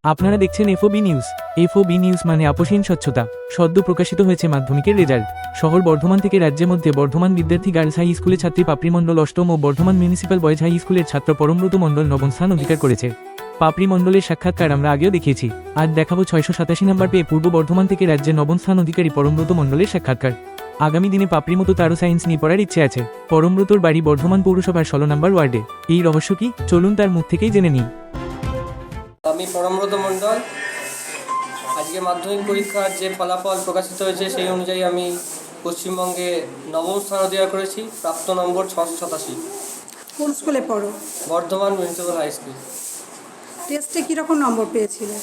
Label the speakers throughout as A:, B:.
A: আপনারা দেখছেন FOB news. FOB news মানে আপোষহীন স্বচ্ছতা। সদ্য প্রকাশিত হয়েছে মাধ্যমিকের রেজাল্ট। শহর বর্ধমান থেকে রাজ্যের মধ্যে বর্ধমান বিদ্যার্থী গার্লস হাই স্কুলের ছাত্রী পাপড়ি মণ্ডল অষ্টম ও বর্ধমান মিউনিসিপ্যাল বয়েজ হাই স্কুলের ছাত্র পরমব্রত মণ্ডল নবম স্থান অধিকার করেছে। পাপড়ি মণ্ডলের সাক্ষাৎকার আমরা আগেও দেখিয়েছি। আজ দেখাবো 687 নম্বর পেয়ে পূর্ব বর্ধমান থেকে রাজ্যের নবম স্থান অধিকারী পরমব্রত মণ্ডলের সাক্ষাৎকার। আগামী দিনে পাপড়ি মতো তারও সায়েন্স নিয়ে পড়ার ইচ্ছে আছে। পরমব্রতর বাড়ি বর্ধমান পৌরসভার 16 নম্বর ওয়ার্ডে। এই রহস্য কি, চলুন তার মুখ থেকেই জেনে নিই।
B: আমি পরমব্রত মণ্ডল। আজকে মাধ্যমিক পরীক্ষার যে ফলাফল প্রকাশিত হয়েছে সেই অনুযায়ী আমি পশ্চিমবঙ্গে নবম স্থান অধিকার করেছি, প্রাপ্ত নম্বর 687।
C: কোন স্কুলে পড়ো?
B: Bardhaman municipal high school.
C: টেস্টে কীরকম নম্বর পেয়েছিলে?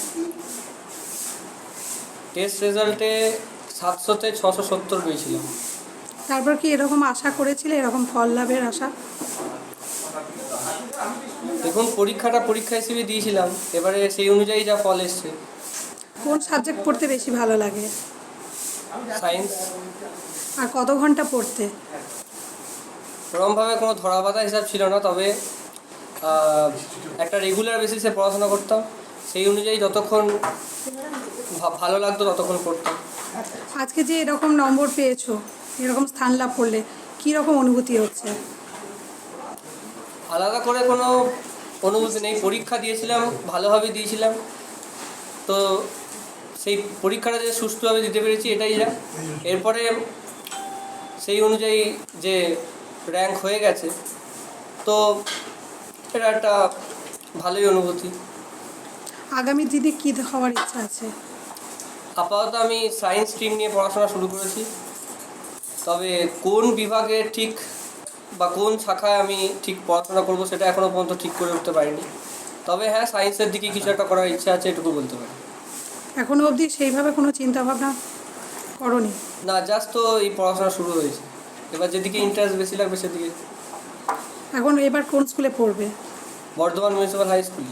B: টেস্ট রেজাল্টে 700-তে 670 পেয়েছিলাম।
C: তারপর কি এরকম আশা করেছিলে, এরকম ফল লাভের আশা?
B: দেখুন, পরীক্ষাটা পরীক্ষা হিসেবে দিয়েছিলাম, এবারে সেই অনুযায়ী যা ফল এসছে।
C: কোন সাবজেক্ট পড়তে বেশি ভালো লাগে?
B: সায়েন্স।
C: আর কত ঘন্টা পড়তে?
B: ওরকমভাবে কোনো ধরাবাঁধা হিসাব ছিল না, তবে একটা রেগুলার বেসিসে পড়াশোনা করতাম, সেই অনুযায়ী যতক্ষণ ভালো লাগতো ততক্ষণ পড়তাম।
C: আজকে যে এরকম নম্বর পেয়েছো, এরকম স্থান লাভ করলে কী রকম অনুভূতি হচ্ছে?
B: আলাদা করে কোনো অনুভূতি নেই, পরীক্ষা দিয়েছিলাম, ভালোভাবে দিয়েছিলাম, তো সেই পরীক্ষাটা যে সুষ্ঠুভাবে দিতে পেরেছি এটাই যা। এরপরে সেই অনুযায়ী যে র্যাঙ্ক হয়ে গেছে, তো এটা একটা ভালোই অনুভূতি।
C: আগামী দিনে কী হওয়ার ইচ্ছা আছে?
B: আপাতত আমি সায়েন্স স্ট্রিম নিয়ে পড়াশোনা শুরু করেছি, তবে কোন বিভাগে ঠিক বা কোন শাখায় আমি ঠিক পড়াশোনা করব সেটা এখনও পর্যন্ত ঠিক করে উঠতে পারিনি। তবে হ্যাঁ, সায়েন্সের দিকে কিছু একটা করার ইচ্ছা আছে, এটুকু বলতে পারি।
C: এখনও অবধি সেইভাবে কোনো চিন্তাভাবনা করোনি?
B: না, জাস্ট তো এই পড়াশোনা শুরু হয়েছে, এবার যেদিকে ইন্টারেস্ট বেশি লাগবে সেদিকে।
C: এখন এবার কোন স্কুলে পড়বে?
B: Bardhaman municipal high school.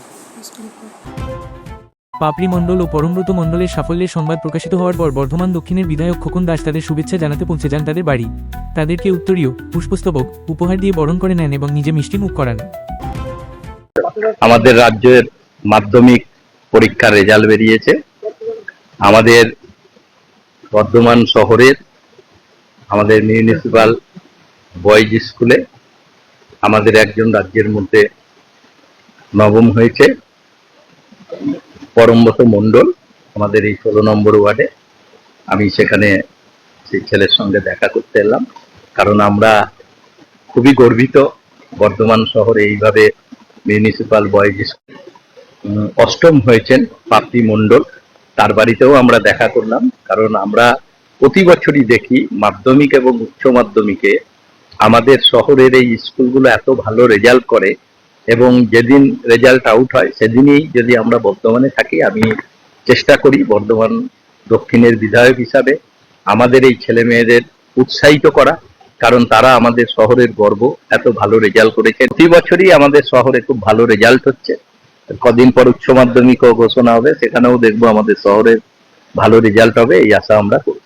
A: Papri Mondal ও পরমব্রত মণ্ডলের সাফল্যের সংবাদ প্রকাশিত হওয়ার পর বর্ধমান দক্ষিণের বিধায়ক খোকন দাস তাদের শুভেচ্ছা জানাতে পৌঁছে যান তাদের বাড়ি। তাদেরকে উত্তরীয়, পুষ্পস্তবক উপহার দিয়ে বরণ করে নেন এবং নিজে মিষ্টি মুখ করান।
D: আমাদের রাজ্যের মাধ্যমিক পরীক্ষার রেজাল্ট বেরিয়েছে। আমাদের বর্ধমান শহরের আমাদের মিউনিসিপ্যাল বয়েজ স্কুলে আমাদের একজন রাজ্যের মধ্যে নবম হয়েছে, পরমব্রত মণ্ডল। আমাদের এই 16 নম্বর ওয়ার্ডে আমি সেখানে সেই ছেলের সঙ্গে দেখা করতে এলাম, কারণ আমরা খুবই গর্বিত বর্ধমান শহরে এইভাবে মিউনিসিপ্যাল বয়েজ স্কুল অষ্টম হয়েছেন পাপড়ি মণ্ডল। তার বাড়িতেও আমরা দেখা করলাম, কারণ আমরা প্রতি বছরই দেখি মাধ্যমিক এবং উচ্চ মাধ্যমিকে আমাদের শহরের এই স্কুলগুলো এত ভালো রেজাল্ট করে, এবং যেদিন রেজাল্ট আউট হয় সেদিনই যদি আমরা বর্ধমানে থাকি, আমি চেষ্টা করি বর্ধমান দক্ষিণের বিধায়ক হিসাবে আমাদের এই ছেলে মেয়েদের উৎসাহিত করা, কারণ তারা আমাদের শহরের গর্ব, এত ভালো রেজাল্ট করেছে। প্রতি বছরই আমাদের শহরে খুব ভালো রেজাল্ট হচ্ছে। কদিন পর উচ্চ মাধ্যমিকও ঘোষণা হবে, সেখানেও দেখবো আমাদের শহরের ভালো রেজাল্ট হবে, এই আশা আমরা করি।